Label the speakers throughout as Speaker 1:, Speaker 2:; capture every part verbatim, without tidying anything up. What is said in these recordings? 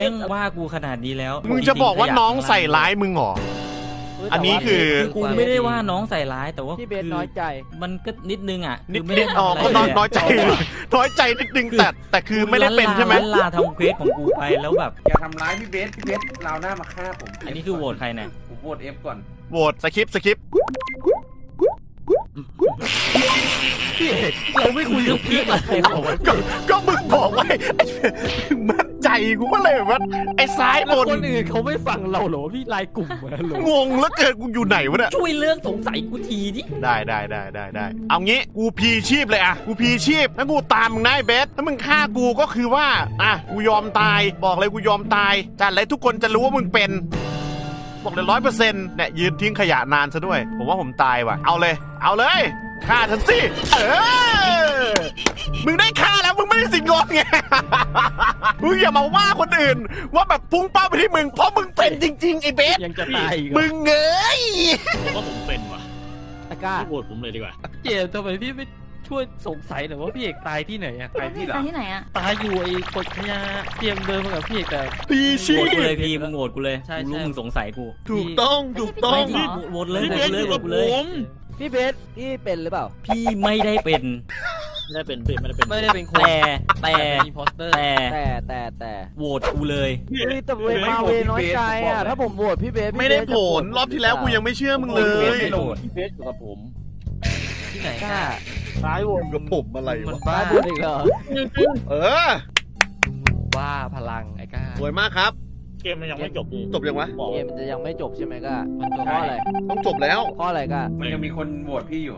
Speaker 1: แม่งว่ากูขนาดนี้แล้ว
Speaker 2: มึงจะบอกว่าน้องใส่ร้ายมึงเหรออันนี้คือ
Speaker 1: กูไม่ได้ว่าน้องใส่ร้ายแต่ว่า
Speaker 3: พี่เบสน้อยใจ
Speaker 1: มันก็นิดนึงอ่ะ
Speaker 2: นิดนิดอ๋อก็น้อยใจน้อยใจนิดนึงแต่แต่คือไม่ได้เป็นใช่ไหม
Speaker 1: ลาทำเควสของกูไปแล้วแบบ
Speaker 4: อย่าทำร้ายพี่เบสพี่เบสเราหน้ามาฆ่าผม
Speaker 1: อันนี้คือโหวตใครเนี่ย
Speaker 4: ผมโหวตเอฟก่อน
Speaker 2: โหวตสคิปสคิป
Speaker 1: พี่เอกเราไม่คุยเรื่องพี่อะไรหรอก
Speaker 2: ก็ก็มึงบอกไว้มั่นใจกูก็เลยว่าไอ้ซ้ายบน
Speaker 3: คนอื่นเขาไม่ฟังเราหรอพี่ไลน์กลุ่มเหรอง
Speaker 2: งแล้วเกิดกูอยู่ไหนวะเนี่ย
Speaker 1: ช่วยเรื่องสงสัยกูทีดิ
Speaker 2: ได้ได้ได้ได้ได้เอางี้กูพีชีพเลยอะกูพีชีพแล้วกูตามมึงนายเบสถ้ามึงฆ่ากูก็คือว่าอ่ะกูยอมตายบอกเลยกูยอมตายจัดเลยทุกคนจะรู้ว่ามึงเป็นบอกเลยร้อยเปอร์เซ็นต์เนี่ยยืนทิ้งขยะนานซะด้วยผมว่าผมตายว่ะเอาเลยเอาเลยฆ่าฉันสิเออมึงได้ฆ่าแล้วมึงไม่ได้สิงงอนไงมึงอย่ามาว่าคนอื่นว่าแบบพุ่งเป้าไปที่มึงเพราะมึงเป็นจริงๆไอ้เบส
Speaker 3: ยังจะตายอีก
Speaker 2: มึงเงย
Speaker 5: ผมว่าผมเป็นว่ะ
Speaker 3: ตะก้า
Speaker 5: โหวตผมเลยดีกว่า
Speaker 3: เจมทำไมพี่ไม่ช่วยสงสัยหน่อยว่าพี่เอกตายที่ไหนอะ
Speaker 4: ตายที่ไหน
Speaker 6: ตายที่ไหนอะ
Speaker 3: ตายอยู่ไอ้กดขยะเตรียมเดินมากับพี่เอกแต่
Speaker 2: ปีชี
Speaker 1: โหวตกูเลยพี่มึงโหวตกูเลยรู้มึงสงสัยกู
Speaker 2: ถูกต้องถูกต้อง
Speaker 1: โหวตเลยโหวตเลยโหวตเลย
Speaker 3: พี่เบสพี่เป็นหรือเปล่า
Speaker 1: พี่ไม่ได้เป็น
Speaker 5: ไม่ได้เป็นไม่ได้เป็น
Speaker 3: ไม่ได้เป็นคน
Speaker 1: แต่แต่
Speaker 3: แต่แต่แต่แต่
Speaker 1: โหวตกูเลย
Speaker 3: เฮ้ยแต่เวมาเวน้อยใจอ่ะถ้าผมโหวตพี่เบส
Speaker 2: ไม่ได้ผลรอบที่แล้วกูยังไม่เชื่อมึงเลย
Speaker 5: พี่เบสอยู่กับผม
Speaker 3: ที่ไหนกล้า
Speaker 2: ซ้ายวนกับผมอะไรวะ
Speaker 3: บ้าบนอีกเหรอ
Speaker 2: เออ
Speaker 3: ว่าพลังไอ้ก้า
Speaker 2: สวยมากครับ
Speaker 5: เกมมันยังไม่จบดิ
Speaker 2: จบยังวะ
Speaker 3: เกมมันจะยังไม่จบใช่ไหมก้ามันจบเพราะอะไร
Speaker 2: ต้องจบแล้ว
Speaker 3: เพราะอะไรก้า
Speaker 4: มันยังมีคนโหวตพี่อยู่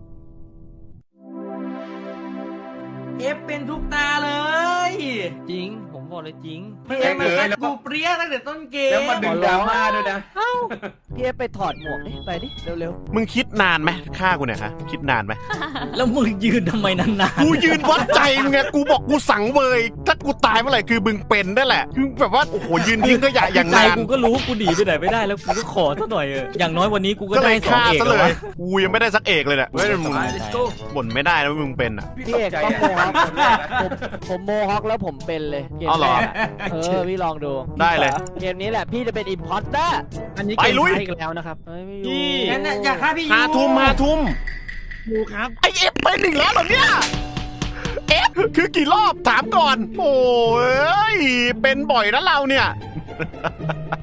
Speaker 4: เอฟเป็นทุกตาเลย
Speaker 3: จริงผมบอกเลยจริง
Speaker 4: พี่เอฟมาแล้วกูเปรี้ยตั้งแต่ต้นเกมแล้วมาดึงดราม่าด้วยนะ
Speaker 3: พี่เอฟไปถอดหมวกดิไปดิเร็ว
Speaker 2: ๆมึงคิดนานไหมฆ่ากูเนี่ยฮะคิดนานไหม
Speaker 1: แล้วมึงยืนทำไมนาน
Speaker 2: ๆกูยืนวัดใจมึงไงกูบอกกูสั่งเบยถ้ากูตายเมื่อไหร่คือมึงเป็นได้แหละคือแบบว่าโอ้โหยืนทิ้งก็อย่าอย่างนาน
Speaker 1: กูก็รู้กูหนีไปไหนไม่ได้แล้วกูก็ขอซะหน่อยอย่างน้อยวันนี้กูก็ได้สองเอก
Speaker 2: เลยกูยังไม่ได้สักเอกเลยเนี่ยไม่ได้มึงบ่นไม่ได้นะมึงเป็นอ่ะ
Speaker 3: พี่เอกก็โมฮอคผมโมฮอคแล้วผมเป็นเลยเกมแรกเออพี่ลองดู
Speaker 2: ได้เลย
Speaker 3: เกมนี้แหละพี่จะเป็นอิมพอร์เตอร์อันนี้เกมอีกแล้วนะครับ
Speaker 4: พี่งั้นอยากฆ่าพี่ยู
Speaker 2: หาทุ่มหาทุ่ม
Speaker 5: ยูครับ
Speaker 2: ไอเอฟเป็นอีกแล้วเหรอเนี่ยเอฟคือกี่รอบถามก่อนโอ้ยเป็นบ่อยนะเราเนี่ย